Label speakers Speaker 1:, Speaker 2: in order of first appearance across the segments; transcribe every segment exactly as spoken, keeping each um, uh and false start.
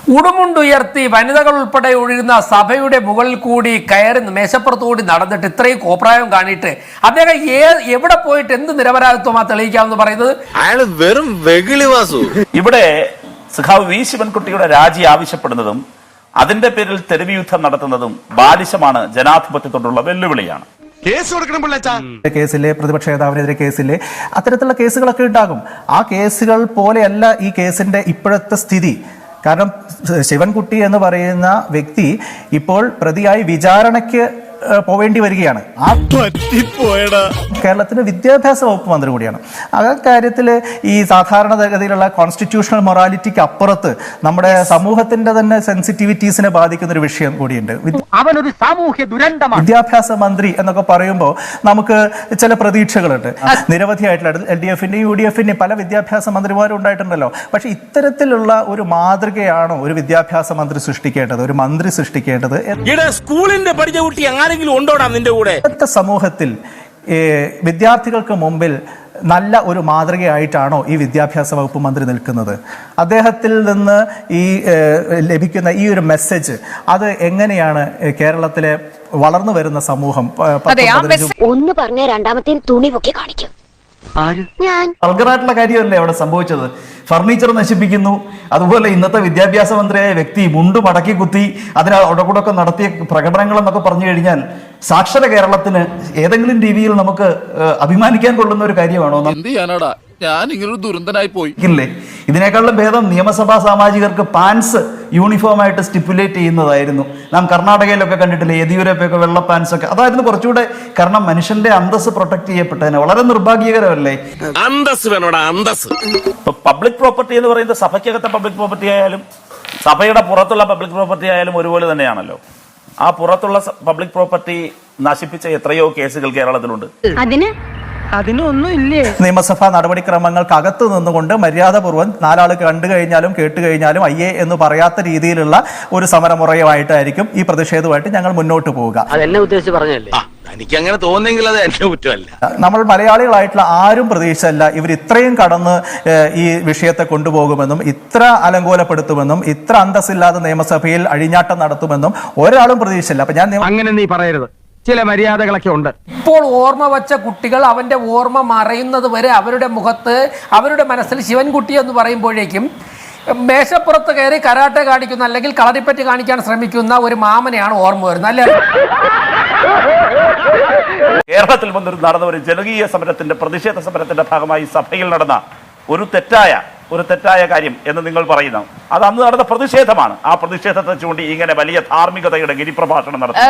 Speaker 1: ഉടുമുണ്ടുയർത്തി വനിതകൾ ഉൾപ്പെടെ ഒഴുകുന്ന സഭയുടെ മുകളിൽ കൂടി കയറി മേശപ്പുറത്തുകൂടി നടന്നിട്ട് ഇത്രയും കോപ്രായം കാണിയിട്ട് അദ്ദേഹം എവിടെ പോയിട്ട് എന്ത് നിരപരാധിത്വമാ തെളിയിക്കാമെന്ന് പറയുന്നത്?
Speaker 2: അയാൾ വെറും വെകിളി വാസു.
Speaker 3: ഇവിടെ സഖാവ് വി ശിവൻകുട്ടിയുടെ രാജി ആവശ്യപ്പെടുന്നതും അതിന്റെ പേരിൽ തെരുവ് യുദ്ധം നടത്തുന്നതും ബാലിശമാണ്, ജനാധിപത്യത്തോടുള്ള വെല്ലുവിളിയാണ്.
Speaker 4: കേസിലെ പ്രതിപക്ഷ നേതാവിനെതിരെ കേസിലെ അത്തരത്തിലുള്ള കേസുകളൊക്കെ ഉണ്ടാകും. ആ കേസുകൾ പോലെയല്ല ഈ കേസിന്റെ ഇപ്പോഴത്തെ സ്ഥിതി. കാരണം ശിവൻകുട്ടി എന്ന് പറയുന്ന വ്യക്തി ഇപ്പോൾ പ്രതിയായി വിചാരണയ്ക്ക് പോവേണ്ടി വരികയാണ്. ആ കേരളത്തിന്റെ വിദ്യാഭ്യാസ വകുപ്പ് മന്ത്രി കൂടിയാണ്. ആ കാര്യത്തിൽ ഈ സാധാരണഗതിയിലുള്ള കോൺസ്റ്റിറ്റ്യൂഷണൽ മൊറാലിറ്റിക്ക് അപ്പുറത്ത് നമ്മുടെ സമൂഹത്തിന്റെ തന്നെ സെൻസിറ്റിവിറ്റീസിനെ ബാധിക്കുന്ന ഒരു വിഷയം കൂടിയുണ്ട്.
Speaker 5: അവനൊരു സാമൂഹ്യ ദുരന്തമാണ്.
Speaker 4: വിദ്യാഭ്യാസ മന്ത്രി എന്നൊക്കെ പറയുമ്പോൾ നമുക്ക് ചില പ്രതീക്ഷകളുണ്ട്. നിരവധിയായിട്ടുള്ള എൽ ഡി എഫിന്റെയും യു ഡി എഫിന്റെയും പല വിദ്യാഭ്യാസ മന്ത്രിമാരും ഉണ്ടായിട്ടുണ്ടല്ലോ. പക്ഷെ ഇത്തരത്തിലുള്ള ഒരു മാതൃകയാണോ ഒരു വിദ്യാഭ്യാസ മന്ത്രി സൃഷ്ടിക്കേണ്ടത്, ഒരു മന്ത്രി സൃഷ്ടിക്കേണ്ടത്?
Speaker 2: സ്കൂളിന്റെ പഠിച്ച കുട്ടി ആരെങ്കിലും ഉണ്ടോടാ നിന്റെ കൂടെ?
Speaker 4: ഇന്നത്തെ സമൂഹത്തിൽ വിദ്യാർത്ഥികൾക്ക് മുമ്പിൽ നല്ല ഒരു മാതൃകയായിട്ടാണോ ഈ വിദ്യാഭ്യാസ വകുപ്പ് മന്ത്രി നിൽക്കുന്നത്? അദ്ദേഹത്തിൽ നിന്ന് ഈ ലഭിക്കുന്ന ഈ ഒരു മെസ്സേജ് അത് എങ്ങനെയാണ് കേരളത്തിലെ വളർന്നു വരുന്ന സമൂഹം
Speaker 6: ഒന്ന് പറഞ്ഞ രണ്ടാമത്തെ തുണി പൊക്കി കാണിക്കും?
Speaker 7: വൾഗറായിട്ടുള്ള കാര്യമല്ലേ അവിടെ സംഭവിച്ചത്? ഫർണിച്ചർ നശിപ്പിക്കുന്നു, അതുപോലെ ഇന്നത്തെ വിദ്യാഭ്യാസ മന്ത്രിയായ വ്യക്തി മുണ്ട് മടക്കി കുത്തി അതിന് ഒടകൂടൊക്കെ നടത്തിയ പ്രകടനങ്ങൾ എന്നൊക്കെ പറഞ്ഞു കഴിഞ്ഞാൽ സാക്ഷര കേരളത്തിന് ഏതെങ്കിലും രീതിയിൽ നമുക്ക് അഭിമാനിക്കാൻ കൊള്ളുന്ന ഒരു കാര്യമാണോ?
Speaker 2: ഞാൻ ഇങ്ങനൊരു ദുരന്തനായി പോയി
Speaker 7: ഇല്ലേ? ഇതിനേക്കാളും ഭേദം നിയമസഭാ സാമാജികർക്ക് പാൻസ് യൂണിഫോം ആയിട്ട് സ്റ്റിപ്പുലേറ്റ് ചെയ്യുന്നതായിരുന്നു. നാം കർണാടകയിലൊക്കെ കണ്ടിട്ടില്ലേ, യെദ്യൂരപ്പയൊക്കെ വെള്ള പാൻസ് ഒക്കെ, അതായിരുന്നു കുറച്ചുകൂടെ. കാരണം മനുഷ്യന്റെ അന്തസ് പ്രൊട്ടക്ട് ചെയ്യപ്പെട്ടതിന് വളരെ നിർഭാഗ്യകരമല്ലേ?
Speaker 2: അന്തസ് വേണോടാ, അന്തസ്.
Speaker 3: പബ്ലിക് പ്രോപ്പർട്ടി എന്ന് പറയുന്നത് സഭയ്ക്കകത്തെ പബ്ലിക് പ്രോപ്പർട്ടി ആയാലും സഭയുടെ പുറത്തുള്ള പബ്ലിക് പ്രോപ്പർട്ടി ആയാലും ഒരുപോലെ തന്നെയാണല്ലോ. ആ പുറത്തുള്ള പബ്ലിക് പ്രോപ്പർട്ടി നശിപ്പിച്ച എത്രയോ കേസുകൾ കേരളത്തിലുണ്ട്.
Speaker 6: അതിന്
Speaker 5: അതിനൊന്നും ഇല്ലേ?
Speaker 4: നിയമസഭാ നടപടിക്രമങ്ങൾക്ക് അകത്ത് നിന്നുകൊണ്ട് മര്യാദപൂർവ്വം നാലാൾ കണ്ടു കഴിഞ്ഞാലും കേട്ട് കഴിഞ്ഞാലും അയ്യേ എന്ന് പറയാത്ത രീതിയിലുള്ള ഒരു സമരമുറയുമായിട്ടായിരിക്കും ഈ പ്രതിഷേധവുമായിട്ട് ഞങ്ങൾ മുന്നോട്ട് പോവുക.
Speaker 5: അതെന്നെ ഉദ്ദേശിച്ച് പറഞ്ഞല്ലേ?
Speaker 2: എനിക്ക് അങ്ങനെ തോന്നുന്നെങ്കിൽ അത് എന്റെ കുറ്റമല്ല.
Speaker 4: നമ്മൾ മലയാളികളായിട്ടുള്ള ആരും പ്രതീക്ഷയല്ല ഇവർ ഇത്രയും കടന്ന് ഈ വിഷയത്തെ കൊണ്ടുപോകുമെന്നും ഇത്ര അലങ്കോലപ്പെടുത്തുമെന്നും ഇത്ര അന്തസ്സില്ലാതെ നിയമസഭയിൽ അഴിഞ്ഞാട്ടം നടത്തുമെന്നും ഒരാളും പ്രതീക്ഷയില്ല. അപ്പൊ ഞാൻ
Speaker 5: അങ്ങനെ നീ പറയരുത്, ചില മര്യാദകളൊക്കെ ഉണ്ട്.
Speaker 1: ഇപ്പോൾ ഓർമ്മ വച്ച കുട്ടികൾ അവന്റെ ഓർമ്മ മറയുന്നത് വരെ അവരുടെ മുഖത്ത് അവരുടെ മനസ്സിൽ ശിവൻകുട്ടി എന്ന് പറയുമ്പോഴേക്കും മേശപ്പുറത്ത് കയറി കരാട്ടെ കാണിക്കുന്ന അല്ലെങ്കിൽ കളരിപ്പറ്റ് കാണിക്കാൻ ശ്രമിക്കുന്ന ഒരു മാമനെയാണ് ഓർമ്മ വരുന്നത്, അല്ലേ?
Speaker 3: കേരളത്തിൽ വന്നൊരു നടന്ന ഒരു ജനകീയ സമരത്തിന്റെ പ്രതിഷേധ സമരത്തിന്റെ ഭാഗമായി സഭയിൽ നടന്ന ഒരു തെറ്റായ ഒരു തെറ്റായ കാര്യം എന്ന് നിങ്ങൾ പറയുന്നു. അത് അന്ന് നടന്ന പ്രതിഷേധമാണ്. ആ പ്രതിഷേധത്തെ ചൂണ്ടി ഇങ്ങനെ വലിയ ധാർമ്മികതയുടെ ഗിരിപ്രഭാഷണം നടത്തി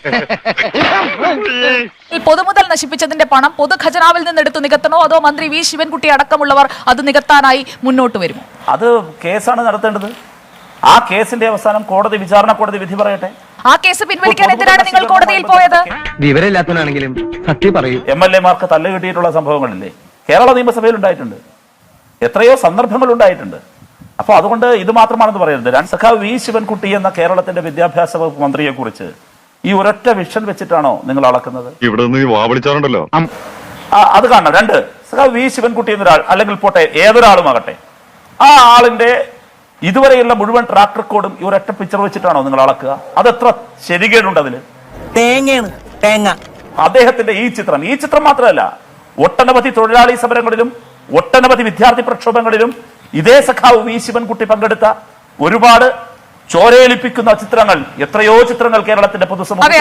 Speaker 8: പൊതുമുതൽ നശിപ്പിച്ചതിന്റെ പണം പൊതുഖജനാവിൽ നിന്ന് എടുത്തു നികത്തണോ അതോ മന്ത്രി വി ശിവൻകുട്ടി അടക്കമുള്ളവർ അത് നികത്താനായി മുന്നോട്ട് വരുമോ?
Speaker 3: അത് കേസാണ് നടത്തേണ്ടത്. ആ കേസിന്റെ അവസാനം കോടതി, വിചാരണ കോടതി വിധി പറയട്ടെ.
Speaker 8: ആ കേസ് പിൻവലിക്കാൻ എന്തിനാണ് നിങ്ങൾ കോടതിയിൽ പോയത്?
Speaker 5: വിവരമില്ലാത്തവനാണെങ്കിലും സത്യം പറയും.
Speaker 3: എം എൽ എമാർക്ക് തല്ല് കിട്ടിയിട്ടുള്ള സംഭവങ്ങളില്ലേ കേരള നിയമസഭയിൽ ഉണ്ടായിട്ടുണ്ട്, എത്രയോ സന്ദർഭങ്ങൾ ഉണ്ടായിട്ടുണ്ട്. അപ്പോൾ അതുകൊണ്ട് ഇത് മാത്രമാണെന്ന് പറയരുത്. സഖാവ് വി ശിവൻകുട്ടി എന്ന കേരളത്തിന്റെ വിദ്യാഭ്യാസ വകുപ്പ് മന്ത്രിയെ കുറിച്ച് ഈ ഒരൊറ്റ വിഷൻ വെച്ചിട്ടാണോ നിങ്ങൾ അളക്കുന്നത്?
Speaker 9: ഇവിടെ വാവിളിച്ചാറുണ്ടല്ലോ.
Speaker 3: അത് കാണണം. രണ്ട്, സഖാവ് വി ശിവൻകുട്ടി എന്നൊരാൾ, അല്ലെങ്കിൽ പോട്ടെ ഏതൊരാളുമാകട്ടെ, ആ ആളിന്റെ ഇതുവരെയുള്ള മുഴുവൻ ട്രാക്ക് റെക്കോർഡും ഈ ഒരൊറ്റ പിക്ചർ വെച്ചിട്ടാണോ നിങ്ങൾ അളക്കുക? അതെത്ര ശരികേടുണ്ട് അതില്?
Speaker 5: തേങ്ങയാണ് തേങ്ങ.
Speaker 3: അദ്ദേഹത്തിന്റെ ഈ ചിത്രം ഈ ചിത്രം മാത്രമല്ല, ഒട്ടനവധി തൊഴിലാളി സമരങ്ങളിലും ഒട്ടനവധി വിദ്യാർത്ഥി പ്രക്ഷോഭങ്ങളിലും ഇതേ സഖാവ് വി ശിവൻകുട്ടി പങ്കെടുത്ത ഒരുപാട് ചോരേലിപ്പിക്കുന്ന ചിത്രങ്ങൾ, എത്രയോ ചിത്രങ്ങൾ കേരളത്തിന്റെ പൊതുസമൂഹത്തിൽ.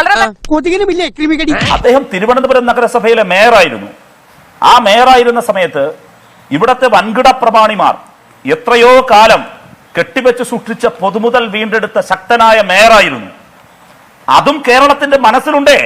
Speaker 3: അദ്ദേഹം തിരുവനന്തപുരം നഗരസഭയിലെ മേയറായിരുന്നു. ആ മേയറായിരുന്ന സമയത്ത് ഇവിടത്തെ വൻകിട പ്രമാണിമാർ എത്രയോ കാലം കെട്ടിവെച്ച് സൂക്ഷിച്ച പൊതുമുതൽ വീണ്ടെടുത്ത ശക്തനായ മേയറായിരുന്നു. അതും കേരളത്തിന്റെ മനസ്സിലുണ്ടേ.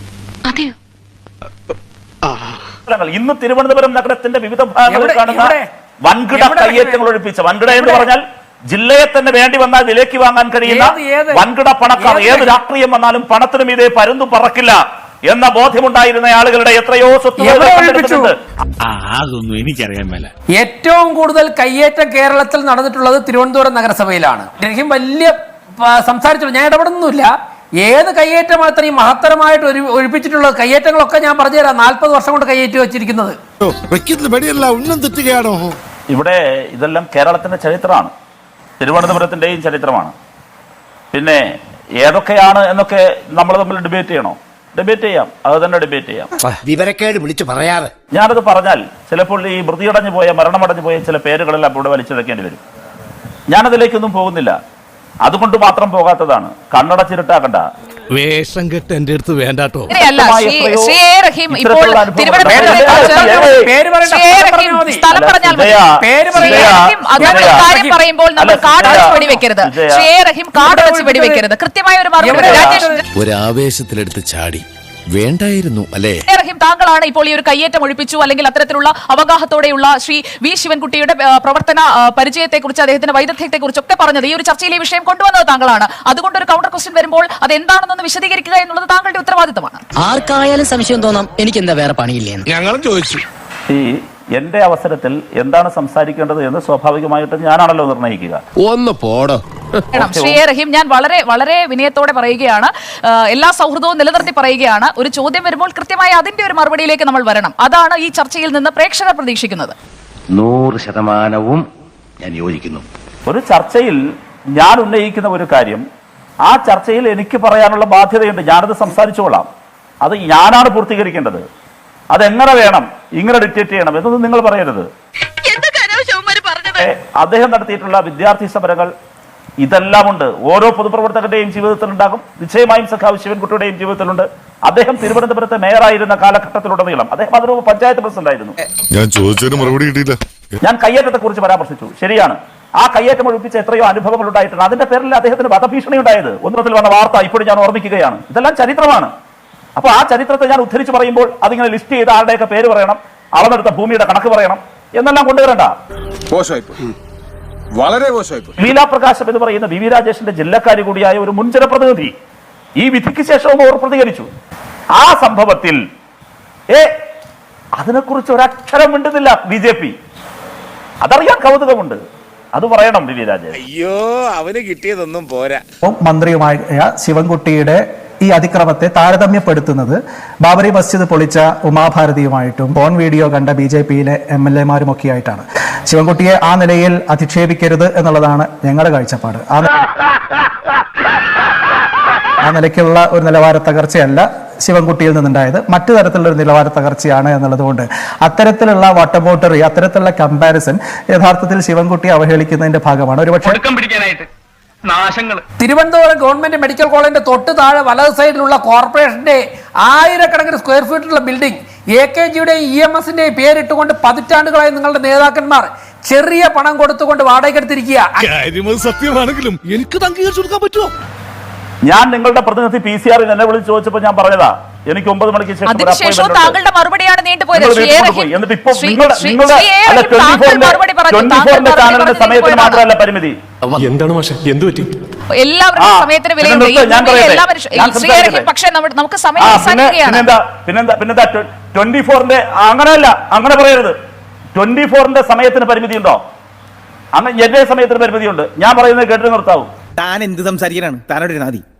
Speaker 3: ഇന്ന് തിരുവനന്തപുരം നഗരത്തിന്റെ വിവിധ ഭാഗങ്ങളിൽ കാണുന്ന വൻകിട കയ്യേറ്റങ്ങൾ ഒഴിപ്പിച്ച, വൻകിട എന്ന് പറഞ്ഞാൽ ജില്ലയെ തന്നെ വേണ്ടി വന്നാൽ വിലയ്ക്ക് വാങ്ങാൻ കഴിയുന്ന വൻകിട പണക്കാർ, ഏത് രാഷ്ട്രീയം വന്നാലും പണത്തിനും ഇതേ പരുന്തു പറക്കില്ല എന്ന ബോധ്യമുണ്ടായിരുന്ന ആളുകളുടെ എത്രയോ സ്വത്തുക്കൾ
Speaker 2: അതൊന്നും എനിക്കറിയാൻ മേല.
Speaker 1: ഏറ്റവും കൂടുതൽ കയ്യേറ്റം കേരളത്തിൽ നടന്നിട്ടുള്ളത് തിരുവനന്തപുരം നഗരസഭയിലാണ്. രഹിം വലിയ സംസാരിച്ചു, ഞാൻ ഇടപെടുന്നില്ല. ഏത് കയ്യേറ്റം അത്രയും മഹത്തരമായിട്ട് ഒരു ഒഴിപ്പിച്ചിട്ടുള്ള കയ്യേറ്റങ്ങളൊക്കെ ഞാൻ പറഞ്ഞുതരാം. നാൽപ്പത് വർഷം കൊണ്ട് കയ്യേറ്റി വെച്ചിരിക്കുന്നത്.
Speaker 3: ഇവിടെ ഇതെല്ലാം കേരളത്തിന്റെ ചരിത്രമാണ്. തിരുവനന്തപുരത്തിന്റെയും ചരിത്രമാണ്. പിന്നെ ഏതൊക്കെയാണ് എന്നൊക്കെ നമ്മൾ തമ്മിൽ ഡിബേറ്റ് ചെയ്യണോ? ഡിബേറ്റ് ചെയ്യാം, അത് തന്നെ ഡിബേറ്റ് ചെയ്യാം.
Speaker 2: വിവരക്കേട് വിളിച്ചു പറയാറ്.
Speaker 3: ഞാനത് പറഞ്ഞാൽ ചിലപ്പോൾ ഈ മൃതിയടഞ്ഞു പോയ മരണമടഞ്ഞു പോയ ചില പേരുകളെല്ലാം ഇവിടെ വലിച്ചെടുക്കേണ്ടി വരും. ഞാനതിലേക്കൊന്നും പോകുന്നില്ല. അതുകൊണ്ട് മാത്രം പോകാത്തതാണ്. കണ്ണടച്ചിരുട്ടാക്കണ്ട.
Speaker 2: വേഷം കെട്ട് എന്റെ അടുത്ത് വേണ്ടാട്ടോ.
Speaker 8: ഇങ്ങനെയല്ല, ശ്രീ- ശ്രീ എ. റഹീം ഇപ്പോൾ തിരുവനന്തപുരത്തെ ശ്രീ എ. റഹീം സ്ഥലം പറഞ്ഞാൽ മതി. ശ്രീ എ. റഹീം അതിന്റെ കാര്യം പറയുമ്പോൾ നമ്മൾ കാടടച്ച് വെടിവെക്കരുത്. ശ്രീ എ. റഹീം കാടടച്ച് വെടിവെക്കരുത്. കൃത്യമായ ഒരു മറുപടി രാജേഷ്
Speaker 2: ഒരാവേശത്തിലെടുത്ത് ചാടി വേണ്ടായിരുന്നു അല്ലേ?
Speaker 8: എ. റഹീം, താങ്കളാണ് ഇപ്പോൾ ഈ ഒരു കയ്യേറ്റം ഒഴിപ്പിച്ചു അല്ലെങ്കിൽ അത്തരത്തിലുള്ള അവഗാഹത്തോടെയുള്ള ശ്രീ വി ശിവൻകുട്ടിയുടെ ആ, പ്രവർത്തന പരിചയത്തെക്കുറിച്ച് അദ്ദേഹത്തിന്റെ വൈദഗ്ധ്യത്തെക്കുറിച്ച് ഒക്കെ പറഞ്ഞത്. ഈ ഒരു ചർച്ചയിൽ ഈ വിഷയം കൊണ്ടുവന്നത് താങ്കളാണ്. അതുകൊണ്ട് ഒരു കൗണ്ടർ ക്വസ്റ്റ്യൻ വരുമ്പോൾ അത് എന്താണെന്നൊന്ന് വിശദീകരിക്കുക എന്നുള്ളത് താങ്കളുടെ ഉത്തരവാദിത്തമാണ്.
Speaker 5: ആർക്കായാലും സംശയം തോന്നാം, എനിക്ക് എന്താ വേറെ പണിയില്ലേ?
Speaker 2: ഞങ്ങളും ചോദിച്ചു.
Speaker 3: ഈ എന്റെ അവസരത്തിൽ എന്താണ് സംസാരിക്കേണ്ടത് എന്ന് സ്വാഭാവികമായിട്ടും ഞാനാണല്ലോ നിർണ്ണയിക്കുക.
Speaker 2: ഒന്ന് പോടോ.
Speaker 8: വേണം. ശ്രീ എ. റഹീം, ഞാൻ വളരെ വളരെ വിനയത്തോടെ പറയുകയാണ്, ആ, എല്ലാ സൗഹൃദവും നിലനിർത്തി പറയുകയാണ്. ഒരു ചോദ്യം വരുമ്പോൾ കൃത്യമായി അതിന്റെ ഒരു മറുപടിയിലേക്ക് നമ്മൾ വരണം. അതാണ് ഈ ചർച്ചയിൽ നിന്ന് പ്രേക്ഷകർ പ്രതീക്ഷിക്കുന്നത്.
Speaker 5: നൂറ് ശതമാനവും ഞാൻ യോജിക്കുന്നു.
Speaker 3: ഒരു ചർച്ചയിൽ ഞാൻ ഉന്നയിക്കുന്ന ഒരു കാര്യം, ആ ചർച്ചയിൽ എനിക്ക് പറയാനുള്ള ബാധ്യതയുണ്ട്. ഞാനത് സംസാരിച്ചോളാം. അത് ഞാനാണ് പൂർത്തീകരിക്കേണ്ടത്. അതെങ്ങനെ വേണം, ഇങ്ങനെ ഡിക്റ്റേറ്റ് ചെയ്യണം എന്നൊന്നും നിങ്ങൾ പറയരുത്. അദ്ദേഹം നടത്തിയിട്ടുള്ള വിദ്യാർത്ഥി സമരങ്ങൾ ഇതെല്ലാം ഉണ്ട്. ഓരോ പൊതുപ്രവർത്തകരുടെയും ജീവിതത്തിൽ ഉണ്ടാകും. നിശ്ചയമായും സഖാവ് ശിവൻകുട്ടിയുടെയും ജീവിതത്തിലുണ്ട്. അദ്ദേഹം തിരുവനന്തപുരത്തെ മേയറായിരുന്ന കാലഘട്ടത്തിലുടനീളം അദ്ദേഹം അതിന് പഞ്ചായത്ത് പ്രസിഡന്റ് ആയിരുന്നു.
Speaker 9: ഞാൻ ചോദിച്ചതിന് മറുപടി കിട്ടിയില്ല.
Speaker 3: ഞാൻ കയ്യേറ്റത്തെ കുറിച്ച് പരാമർശിച്ചു, ശരിയാണ്. ആ കയ്യേറ്റം ഒഴിപ്പിച്ച എത്രയോ അനുഭവങ്ങൾ ഉണ്ടായിട്ടുണ്ട്. അതിന്റെ പേരിൽ അദ്ദേഹത്തിന് വധഭീഷണി ഉണ്ടായത് ഒന്നത്തിൽ വന്ന വാർത്ത ഇപ്പോഴും ഞാൻ ഓർമ്മിക്കുകയാണ്. ഇതെല്ലാം ചരിത്രമാണ്. അപ്പൊ ആ ചരിത്രത്തെ ഞാൻ ഉദ്ധരിച്ച് പറയുമ്പോൾ അതിങ്ങനെ ലിസ്റ്റ് ചെയ്ത് ആരുടെയൊക്കെ പേര് പറയണം, അളന്നെടുത്ത ഭൂമിയുടെ കണക്ക് പറയണം എന്നെല്ലാം കൊണ്ടുവരണ്ട.
Speaker 9: വളരെ മോശമായി.
Speaker 3: ലീലാ പ്രകാശം എന്ന് പറയുന്ന വി വി രാജേഷിന്റെ ജില്ലക്കാരി കൂടിയായ ഒരു മുൻ ജനപ്രതിനിധി ഈ വിധിക്ക് ശേഷവും അവർ പ്രതികരിച്ചു. ആ സംഭവത്തിൽ ഏ അതിനെക്കുറിച്ച് ഒരക്ഷരം മിണ്ടുന്നില്ല ബി ജെ പി. അതറിയാൻ കൗതുകമുണ്ട്. അത് പറയണം വി വി രാജേഷ്.
Speaker 2: അയ്യോ, അവന് കിട്ടിയതൊന്നും പോരാ.
Speaker 4: മന്ത്രിയുമായ ശിവൻകുട്ടിയുടെ ഈ അതിക്രമത്തെ താരതമ്യപ്പെടുത്തുന്നത് ബാബറി മസ്ജിദ് പൊളിച്ച ഉമാഭാരതിയുമായിട്ടും ഫോൺ വീഡിയോ കണ്ട ബി ജെ പിയിലെ എം എൽ എമാരും ഒക്കെ ആയിട്ടാണ്. ശിവൻകുട്ടിയെ ആ നിലയിൽ അധിക്ഷേപിക്കരുത് എന്നുള്ളതാണ് ഞങ്ങളുടെ കാഴ്ചപ്പാട്. ആ ആ നിലയ്ക്കുള്ള ഒരു നിലവാര തകർച്ചയല്ല ശിവൻകുട്ടിയിൽ നിന്നുണ്ടായത്, മറ്റു തരത്തിലുള്ള ഒരു നിലവാര തകർച്ചയാണ് എന്നുള്ളത് കൊണ്ട് അത്തരത്തിലുള്ള വട്ടബോട്ടറി, അത്തരത്തിലുള്ള കമ്പാരിസൺ യഥാർത്ഥത്തിൽ ശിവൻകുട്ടിയെ അവഹേളിക്കുന്നതിന്റെ ഭാഗമാണ്. ഒരുപക്ഷെ
Speaker 1: തിരുവനന്തപുരം ഗവൺമെന്റ് മെഡിക്കൽ കോളേജിന്റെ തൊട്ട് താഴെ വലത് സൈഡിലുള്ള കോർപ്പറേഷന്റെ ആയിരക്കണക്കിന് സ്ക്വയർ ഫീറ്റിലുള്ള ബിൽഡിംഗ് എ കെ ജിയുടെയും ഇ എം എസിന്റെയും പേരിട്ടുകൊണ്ട് പതിറ്റാണ്ടുകളായി നിങ്ങളുടെ നേതാക്കന്മാർ ചെറിയ പണം കൊടുത്തുകൊണ്ട് വാടകയ്ക്കെടുത്തിരിക്കുക.
Speaker 2: സത്യമാണെങ്കിലും എനിക്ക് അംഗീകരിച്ചു കൊടുക്കാൻ പറ്റുമോ?
Speaker 3: ഞാൻ നിങ്ങളുടെ പ്രതിനിധി പി സി ആറിൽ എന്നെ വിളിച്ച് ചോദിച്ചപ്പോൾ ഞാൻ പറഞ്ഞതാ എനിക്ക് ഒമ്പത് മണിക്ക് ശേഷം
Speaker 8: അതിനുശേഷം താങ്കളുടെ മറുപടിയാണ് നീണ്ടുപോയത്.
Speaker 3: എന്നിട്ട് ഇപ്പൊ നിങ്ങളുടെ ചാനലിന്റെ സമയത്തിന് മാത്രമല്ല പരിമിതി.
Speaker 9: എന്താണ് മാഷെ, എന്ത് പറ്റി?
Speaker 8: എല്ലാവരുടെ സമയത്തിന് വിലയുണ്ട്. പക്ഷേ നമുക്ക് സമയം
Speaker 3: പിന്നെന്താ പിന്നെന്താ പിന്നെന്താ ട്വന്റി ഫോറിന്റെ അങ്ങനെയല്ല, അങ്ങനെ പറയരുത്. ട്വന്റി ഫോറിന്റെ സമയത്തിന് പരിമിതി ഉണ്ടോ? അങ്ങനെ എന്റെ സമയത്തിന് പരിമിതിയുണ്ട്. ഞാൻ പറയുന്നത് കേട്ടിട്ട് നിർത്താവൂ.
Speaker 5: താൻ എന്ത് സംസാരിക്കാനാണ്? താനോട് നാദി